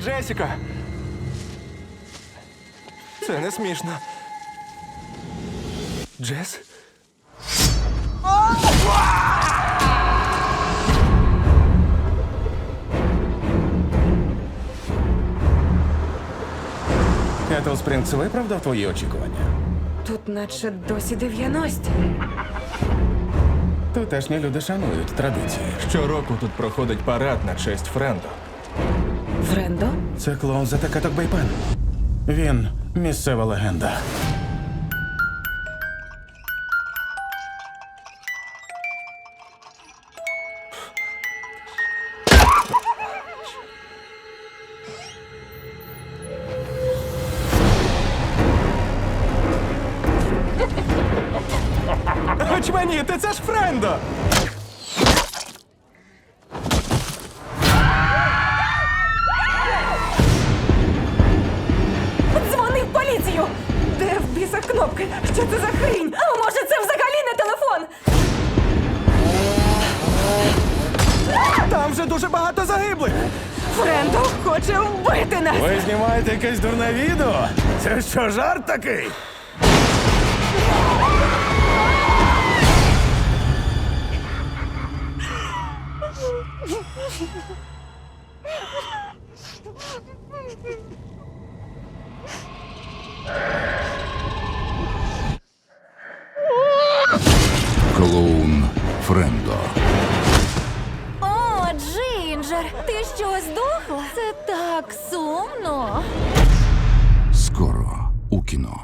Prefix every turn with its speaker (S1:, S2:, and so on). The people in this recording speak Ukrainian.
S1: Джесіка! Це не смішно. Джес?
S2: Кетл Спрінгс виправдав твої очікування?
S3: Тут наче досі 90-ті.
S2: Тутешні люди шанують традиції.
S1: Щороку тут проходить парад на честь Френдо.
S3: Френдо?
S2: Це клоун за Такаток Бейпен. Він місцева легенда.
S1: Очманіти, це ж Френдо!
S3: Дзвони в поліцію! Де в біса кнопки? Що це за хрінь? А може це взагалі не телефон?
S1: Там же дуже багато загиблих!
S3: Френдо хоче вбити нас!
S2: Ви знімаєте якесь дурне відео? Це що, жарт такий?
S4: Клоун Френдо.
S5: О, Джинджер, ти що, здохла? Це так сумно.
S4: Скоро у кіно.